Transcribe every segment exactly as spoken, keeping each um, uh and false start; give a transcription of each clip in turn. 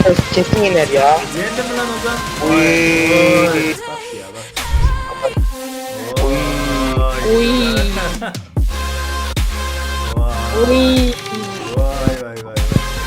Kesin yener ya. Yendi mi lan Ozan? Uy. Oy. Bak ya bak. Oy. Uy. Vay. Uy. Vay vay vay.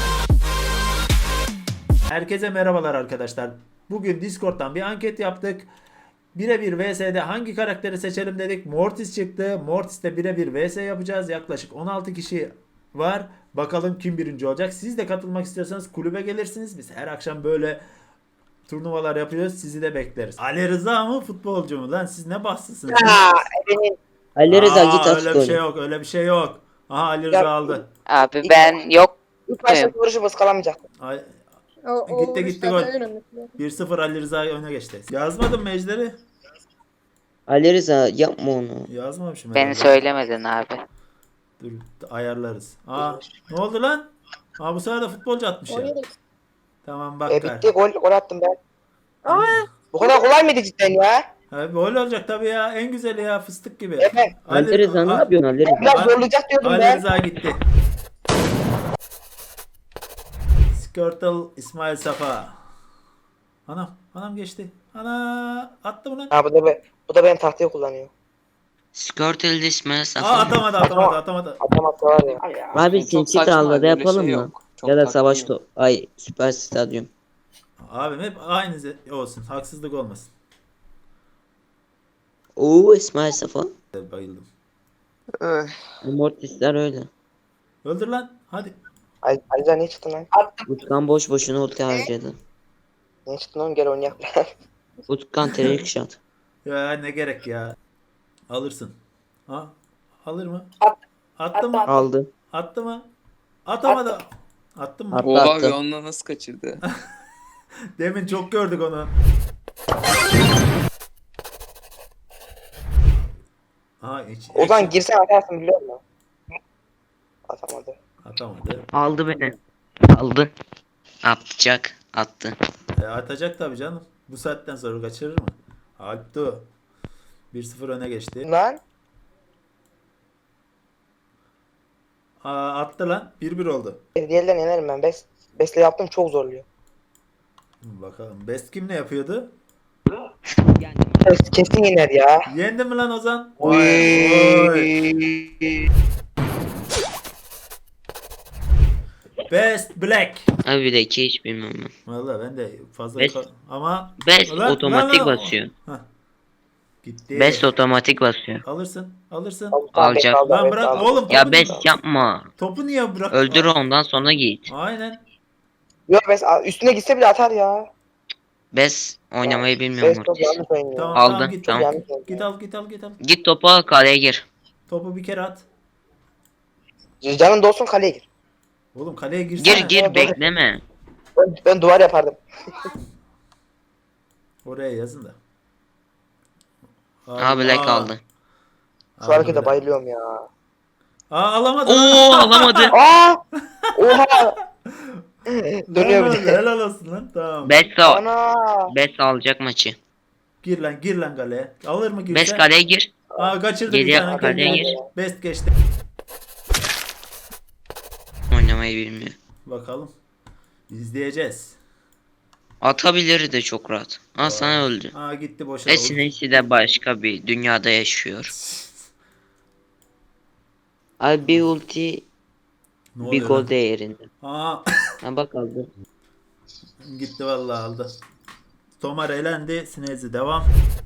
Herkese merhabalar arkadaşlar. Bugün Discord'dan bir anket yaptık. Birebir V S'de hangi karakteri seçelim dedik. Mortis çıktı. Mortis'te birebir V S yapacağız. Yaklaşık on altı kişi var. Bakalım kim birinci olacak. Siz de katılmak istiyorsanız kulübe gelirsiniz. Biz her akşam böyle turnuvalar yapıyoruz. Sizi de bekleriz. Ali Rıza mı futbolcu mu lan? Siz ne bahtsızsınız? Ha, benim. Ali Rıza Aa, git at öyle bir şey golü. yok. Öyle bir şey yok. Aha Ali Rıza Ya- aldı. Abi ben yok. İlk başta vuruşu ıskalamayacak. Ay, O, o Gitti, gitti, vuruşlar gol. da önemli. bir sıfır Ali Rıza öne geçti. Yazmadın mı Ejder'i? Ali Rıza yapma onu. Yazmamışım. Beni herhalde. söylemedin abi. Dur ayarlarız. Aa ne oldu lan? Aa bu sefer de futbolcu atmış ya. Oynadık. Tamam bak. E, gay. bitti gol gol attım ben. Aa, Bu kadar kolay mıydı cidden ya? Ha, gol olacak tabii ya. En güzeli ya fıstık gibi. Evet. Ali Rıza ne A- yapıyorsun Ali Rıza? Biraz zorlayacak diyordum Ali ben. Rıza gitti. Skirtle İsmail Safa. Anam, anam geçti. Ana attı mı lan? Ha bu da be, bu da benim tahtayı kullanıyor. Skirtle İsmail Aa Safa. atamadı atamadı atamadı. Atamazsa var ya. Abi Çok sinsi saçma, tarlada böyle yapalım şey mı? yok. Çok Ya da taktiği savaş yok. top. Ay süper stadyum. Abim hep aynı ze- olsun. Haksızlık olmasın. Oo İsmail Safa. Bayıldım. Mortisler öyle. Öldür lan. Hadi. Ali Aliza niye çıktın lan? Utkan boş boşuna ulti harcadı. Niye çıktın oğlum gel oynayak. Utkan trick shot. Ya ne gerek ya. Alırsın. Ha? Alır mı? At. Attı mı? Aldı. Attı mı? Atamadı. Attın mı? Attı. Oha abi onunla nasıl kaçırdı? Demin çok gördük onu. Ha hiç. Ozan girsen atarsın biliyor musun? Atamadı. Atamadı. Aldı beni. Aldı. Atacak. Attı. E, atacak tabii canım. Bu saatten sonra kaçırır mı? Alptu. bir sıfır öne geçti. Lan. Aa, attı lan. bir bir oldu. Diğerlerini yenerim ben. Bes, besle yaptım çok zorluyor. Bakalım. Best kim ne yapıyordu? Kes- Kesin yener ya. Yendi mi lan Ozan? Uy. Vay. Best Black. Abi bir de iki hiç bilmem ben. Vallahi ben de fazla Best- ka- ama Best Lan, otomatik lan, lan. basıyor. Hah. Gitti. Best otomatik basıyor. Alırsın. Alırsın. Alacak. Lan bırak oğlum. Ya topu- best yapma. Topu niye bırak? Öldür ondan sonra git. Aynen. Yok bes üstüne gitse bile atar ya. Best oynamayı bilmiyor Bes çok Mortis. yanlış oynuyor. Tamam, Aldı, tamam, git, tamam. Git, git al git al git al. Git topu al kaleye gir. Topu bir kere at. Canın dolsun kaleye gir. Oğlum kaleye girsene. Gir gir bekleme. Ben, ben duvar yapardım. Oraya yazın da. Abi Black aa. aldı. Şu Aldı harekete Black. bayılıyorum ya. Aa alamadı. Oo alamadı. Aa! Oha! Dönüyor Helal, bir de. helal olsun lan. Tamam. Best al. Ana! Best alacak maçı. Gir lan gir lan kaleye. Alır mı girse? Best kaleye gir. Aa kaçırdı Geri bir yap, tane. kaleye kendine. gir. Best geçti. Oynamayı bilmiyor. Bakalım. İzleyeceğiz. Atabilir de çok rahat. Aa sana öldü. Aa gitti boşa. Esinesi de başka bir dünyada yaşıyor. Abi bir ulti Ne bir oluyor gol lan? değerinde. Aa Ha bak aldı. gitti vallahi aldı. Tomar elendi. Sinezi devam.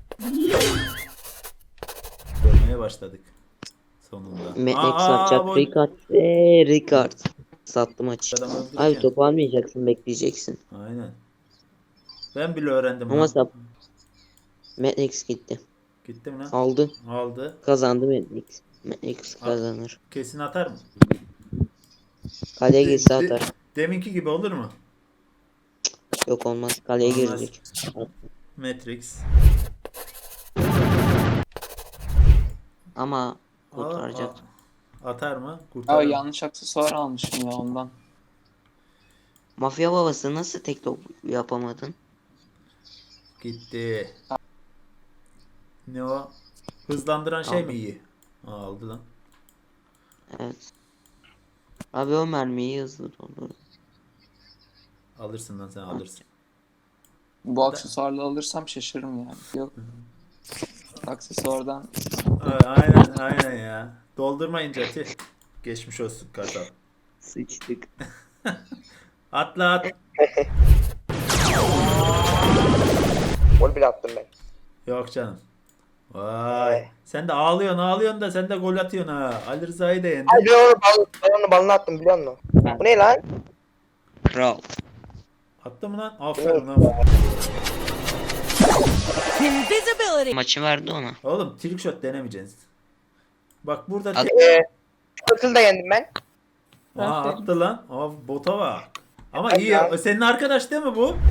Görmeye başladık. Sonunda. Metnex Aa, atacak. bu- Ricard ve Ricard. Sattı maçı. Adam öldürecek. Abi topu almayacaksın bekleyeceksin. Aynen. Ben bile öğrendim. Ama lan. sap. Metnex gitti. Gitti mi lan? Aldı. Aldı. Kazandı Metnex. Metnex kazanır. Kesin atar mı? Kaleye De- girse de- atar. Deminki gibi olur mu? Yok olmaz. Kaleye Olmaz. girecek. Matrix. Ama Aa, kurtaracak. aa. Atar mı? Aa Kurtarır. yanlış aksesuar almışım ya ondan. Mafya babası nasıl tek top yapamadın? Gitti. Ne o? Hızlandıran şey Aldım. mi iyi? Aa, aldı lan. Evet. Abi o mermiyi hızlı doldur. Alırsın lan sen alırsın. Bu aksesuarla alırsam şaşırırım yani. Yok. Aksesuardan Aa, Aynen aynen ya. Doldurmayınca tüh. Geçmiş olsun kasap. Sıçtık. Atla at. Gol bile attım ben. Yok canım. Vay. Sen de ağlıyorsun ağlıyorsun da sen de gol atıyorsun ha. Ali Rıza'yı da yendin. Ay ben onu bal, ben onu balına attım biliyor musun? Bu ne lan? Kral. Attı mı lan? Aferin lan. Maçı verdi ona. Oğlum trick shot denemeyeceksiniz. Bak burada At- tri- Eee Turtle da yendim ben. Aa, attı lan. Aa, bota bak. Ama Hadi iyi. ya. Senin arkadaş değil mi bu?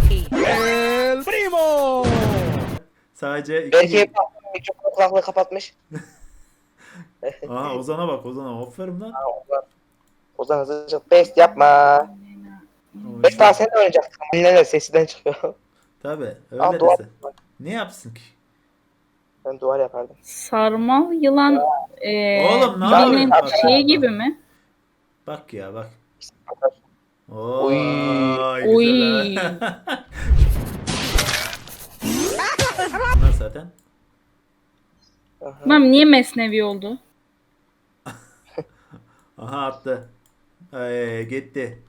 Sadece iki. Belki mikrofon kulaklığı kapatmış. Aa, Ozan'a bak Ozan'a. Aferin lan. Ha, Ozan. Ozan hızlıca best yapma. O Best işte- daha sen de oynayacaksın. Neler sesinden çıkıyor. Tabii. Al Öyle duvar. desin. Ne yapsın ki? Ben duvar yapardım. Sarmal yılan eee Oğlum, ne birinin yapıyorsun? şeyi gibi mi? Bak ya bak. Oy. Oy. Oy. Güzel. ha. Bunlar zaten. Tamam niye mesnevi oldu? Aha attı. Ee, gitti.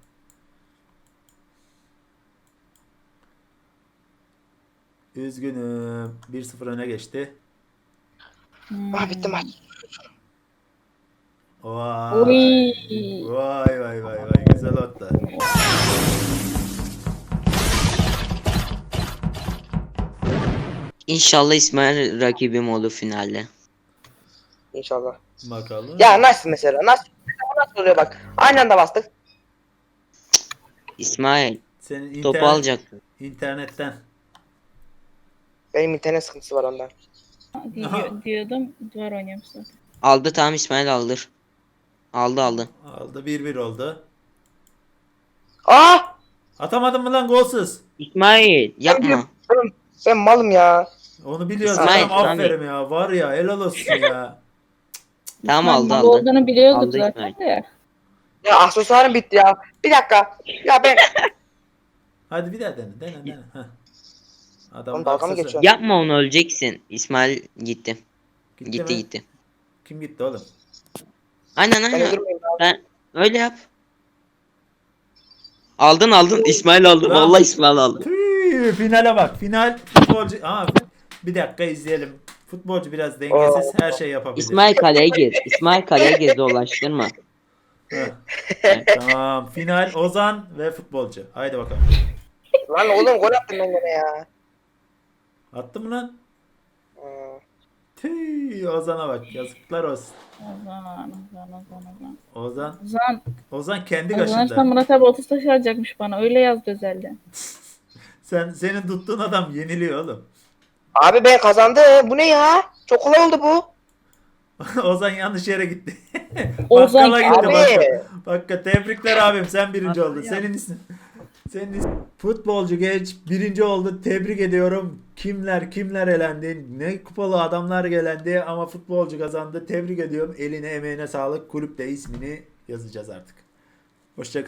Üzgünüm. bir sıfır öne geçti. Hmm. Ah bitti maç. Vay. Oy. Vay vay vay vay. Güzel attı. İnşallah İsmail rakibim olur finalde. İnşallah. Bakalım. Ya nasıl mesela? Nasıl? Nasıl oluyor bak. Aynı anda bastık. İsmail Senin topu internet- alacaktın. internetten. Benim internet sıkıntısı var ondan. Diyor- diyordum duvar oynuyormuş zaten. Aldı tamam İsmail aldır. Aldı aldı. Aldı bir bir oldu. Aa! Atamadın mı lan golsüz? İsmail yapma. Ben, ben malım ya. Onu biliyoruz. İsmail, Adam İsmail. aferin ya. Var ya helal olsun ya. Tamam aldı Mal aldı. olduğunu biliyorduk Aldı zaten İsmail. de. Ya aksesuarım bitti ya. Bir dakika. Ya ben... Hadi bir daha dene. Dene dene. Heh. Adam Oğlum dalga mı aksesuar- geçiyorsun? Yapma onu öleceksin. İsmail gitti. Gitti, Gitti mi? gitti. Kim gitti oğlum? Aynen Ben aynen. öldürmeyeyim ya. Sen öyle yap. Aldın aldın. İsmail aldı. Tamam. Vallahi İsmail aldı. Tüy, finale bak. Final futbolcu. Aa, bir dakika izleyelim. Futbolcu biraz dengesiz. Her şey yapabilir. İsmail kaleye gir. İsmail kaleye gir dolaştırma. Heh. Tamam. Final Ozan ve futbolcu. Haydi bakalım. Lan oğlum gol attım ben gene ya. Attı mı lan? Hmm. Tüy, Ozan'a bak. Yazıklar olsun. Ozan, Ozan, Ozan, Ozan. Ozan. Ozan, Ozan kendi Ozan kaşında. Murat abi otuz taş alacakmış bana. Öyle yazdı özelden. Sen senin tuttuğun adam yeniliyor oğlum. Abi ben kazandı. Bu ne ya? Çok kolay oldu bu. Ozan yanlış yere gitti. Ozan- Bakkala gitti Abi. bakkala. Bakka tebrikler abim sen birinci oldun. Senin ismin. Senin ismin. Futbolcu genç birinci oldu. Tebrik ediyorum. Kimler kimler elendi. Ne kupalı adamlar gelendi ama futbolcu kazandı. Tebrik ediyorum. Eline emeğine sağlık. Kulüpte ismini yazacağız artık. Hoşça